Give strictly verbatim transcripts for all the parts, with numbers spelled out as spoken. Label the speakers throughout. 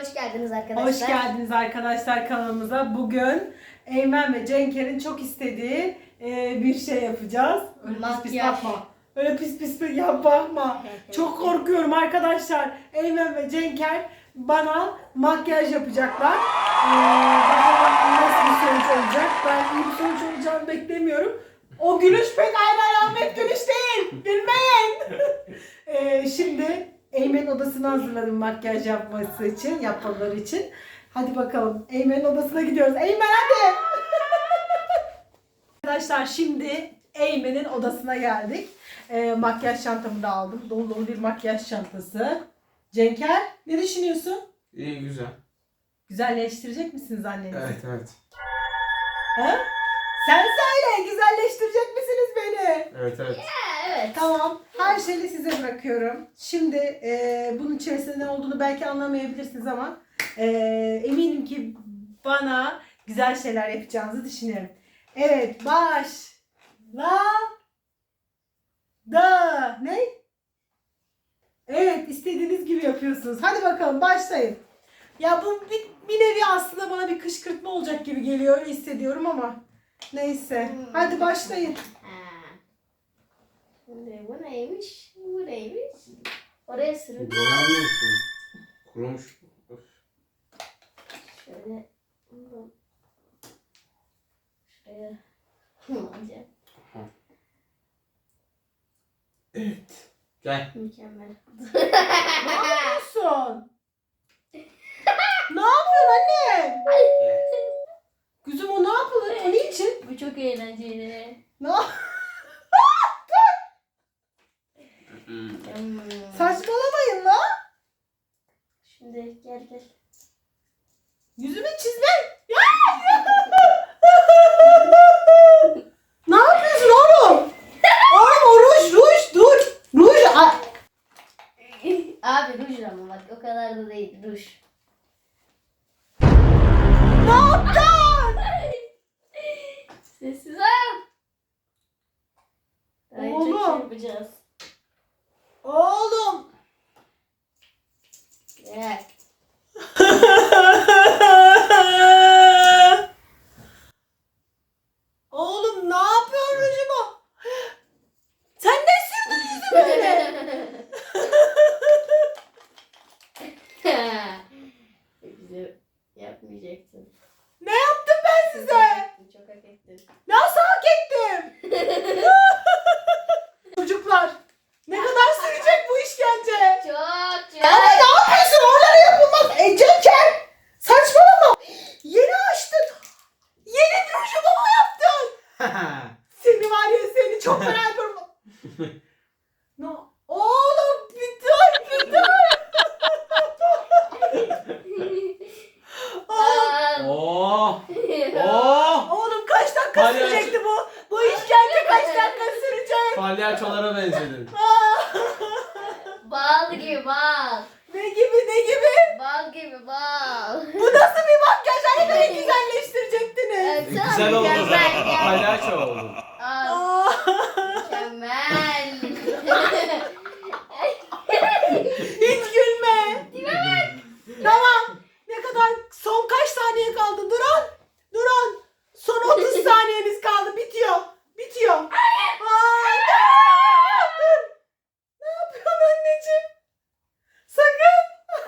Speaker 1: hoş geldiniz arkadaşlar.
Speaker 2: Hoş geldiniz arkadaşlar kanalımıza. Bugün Eymen ve Cenker'in çok istediği e, bir şey yapacağız. Öyle pis pis bakma. Öyle pis pis ya bakma. Çok korkuyorum arkadaşlar. Eymen ve Cenker bana makyaj yapacaklar. Ee, bakalım nasıl bir sonuç olacak. Ben iyi bir sonuç olacağını beklemiyorum. O gülüş pek aynen Ahmet gülüş değil. Gülmeyin. ee, şimdi Eymen'in odasını hazırladım makyaj yapması için, yapmaları için. Hadi bakalım. Eymen'in odasına gidiyoruz. Eymen hadi. Arkadaşlar şimdi Eymen'in odasına geldik. Ee, makyaj çantamı da aldım. Dolu dolu bir makyaj çantası. Cenker ne düşünüyorsun?
Speaker 3: İyi, güzel.
Speaker 2: Güzelleştirecek misiniz annenizi?
Speaker 3: Evet, evet.
Speaker 2: Ha? Sen söyle, güzelleştirecek misiniz beni?
Speaker 3: Evet, evet.
Speaker 1: Evet.
Speaker 2: Tamam. Her şeyi size bırakıyorum. Şimdi e, bunun içerisinde ne olduğunu belki anlamayabilirsiniz ama e, eminim ki bana güzel şeyler yapacağınızı düşünüyorum. Evet, baş la da ne? Evet, istediğiniz gibi yapıyorsunuz. Hadi bakalım başlayın. Ya bu bir, bir nevi aslında bana bir kışkırtma olacak gibi geliyor. Öyle hissediyorum ama neyse. Hadi başlayın.
Speaker 1: Şimdi bu neymiş? Bu neymiş? Oraya sürün.
Speaker 3: Boyanmıyorsun. Kurumuş. Öf.
Speaker 1: Şöyle. Şuraya. Alacağım.
Speaker 3: Evet. Gel.
Speaker 1: Mükemmel.
Speaker 2: Ne yapıyorsun? Ne yapıyorsun anne?
Speaker 3: Gel.
Speaker 2: Kızım o ne yapılır? O niçin?
Speaker 1: Bu çok eğlenceli.
Speaker 2: Ne yap-
Speaker 1: Hmm.
Speaker 2: Saçmalamayın la.
Speaker 1: Şimdi gel gel.
Speaker 2: Yüzümü çizme. Ya! Ne yapıyorsun oğlum? Oğlum o ruj ruj dur. Ruj. a-
Speaker 1: Abi ruj ama bak o kadar da değil ruj.
Speaker 2: Ne yaptın?
Speaker 1: Sessiz ol. Daha çok şey
Speaker 2: Oğlum.
Speaker 1: yapacağız.
Speaker 2: Oğlum.
Speaker 1: Gel.
Speaker 2: Oğlum ne yapıyorsun rujumu? Sen ne sürdün yüzüme öyle?
Speaker 1: Bize yapmayacaksın.
Speaker 2: Ne yaptım ben size?
Speaker 1: Çok hak ettin.
Speaker 2: Nasıl hak ettim? Çocuklar ne kadar sürecek bu işkence?
Speaker 1: Çok çok.
Speaker 2: Ama ne yapıyorsun? Oralara yapılmaz. E Cenker saçmalama. Yeni açtın. Yeni bir rujumu mu yaptın? Seni var ya seni çok merak ediyorum. No. Oğlum bir dur bir dur. Oğlum,
Speaker 3: Oh. Oh.
Speaker 2: oğlum kaç dakika
Speaker 3: Palyaço.
Speaker 2: sürecekti bu? Bu işkence kaç dakika sürecek?
Speaker 3: Palyaçolara benzedin.
Speaker 1: Bal gibi bal.
Speaker 2: Ne gibi ne gibi?
Speaker 1: Bal gibi bal.
Speaker 2: Bu nasıl bir makyaj? Hani beni güzelleştirecektiniz.
Speaker 1: Evet,
Speaker 3: E,
Speaker 1: sana
Speaker 3: güzel oldu.
Speaker 1: mükemmel ya.
Speaker 3: Palyaço oldu.
Speaker 1: Al,
Speaker 2: Aa.
Speaker 1: mükemmel.
Speaker 2: Hiç gülme. Tamam. Ne kadar? Son kaç saniye kaldı? Durun. Durun. Son otuz saniyeniz kaldı. Bitiyor. Bitiyor. Aa, dur. Ne yapıyorsun anneciğim? Sakın.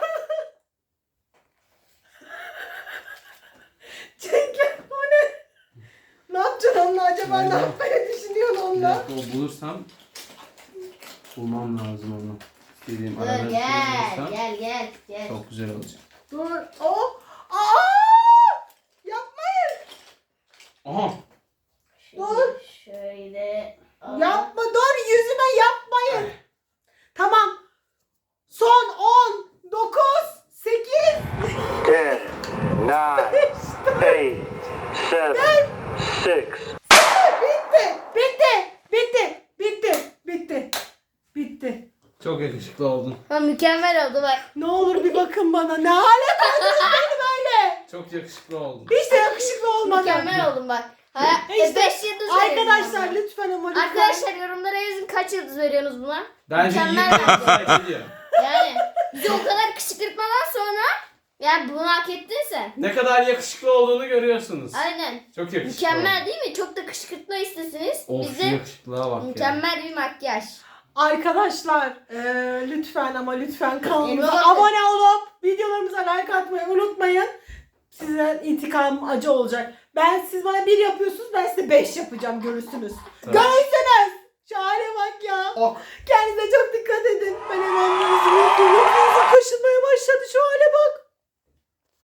Speaker 2: Cenker o ne? Ne yapacaksın onunla acaba? Ne yapmayı düşünüyorsun
Speaker 3: Bir
Speaker 2: onunla?
Speaker 3: dakika, o bulursam bulmam lazım onu. İstediğim
Speaker 1: Dur
Speaker 3: arada bir şey
Speaker 1: gel
Speaker 3: bulursam
Speaker 1: gel gel gel.
Speaker 3: çok güzel olacak.
Speaker 2: Dur. O. Aa! Yapmayın.
Speaker 3: Aha.
Speaker 2: Dur.
Speaker 1: Şöyle. al.
Speaker 2: Yapma dur yüzüme yapmayın. Tamam. Son on, dokuz, sekiz.
Speaker 4: ten, nine, eight, seven, six,
Speaker 2: Bitti. Bitti. Bitti. Bitti. Bitti. Bitti.
Speaker 3: Çok yakışıklı oldun.
Speaker 1: Ha, mükemmel oldu bak.
Speaker 2: Ne olur bir bakın bana. Ne hale koydunuz beni böyle.
Speaker 3: Çok yakışıklı oldun.
Speaker 2: Hiç de yakışıklı olmadı.
Speaker 1: Mükemmel oldum bak. Ha,
Speaker 2: İşte
Speaker 1: beş yıldız veriyorum
Speaker 2: arkadaşlar
Speaker 1: buna.
Speaker 2: lütfen ama lütfen.
Speaker 1: Arkadaşlar yorumlara yazın kaç yıldız veriyorsunuz buna?
Speaker 3: Bence
Speaker 1: Mükemmel
Speaker 3: yirmi
Speaker 1: bence.
Speaker 3: yıldız ediyor.
Speaker 1: Yani bize o kadar kışkırtmadan sonra Yani bunu hak ettin sen.
Speaker 3: Ne kadar yakışıklı olduğunu görüyorsunuz.
Speaker 1: Aynen.
Speaker 3: Çok yakışıklı.
Speaker 1: Mükemmel değil mi? Çok da kışkırtma istesiniz.
Speaker 3: Of,
Speaker 1: Bize
Speaker 3: şu yakışıklığa bak ya.
Speaker 1: mükemmel bir makyaj.
Speaker 2: Arkadaşlar eee, lütfen ama lütfen kanalımıza
Speaker 1: Elma bakın.
Speaker 2: abone olup videolarımıza like atmayı unutmayın. Size intikam acı olacak. Ben siz bana bir yapıyorsunuz, ben size beş yapacağım, görürsünüz.
Speaker 3: Tamam.
Speaker 2: Görürsünüz. Şu hale bak ya.
Speaker 3: Ok.
Speaker 2: Kendinize çok dikkat edin. Ben hemen yüzümü kaşınmaya başladı, şu hale bak.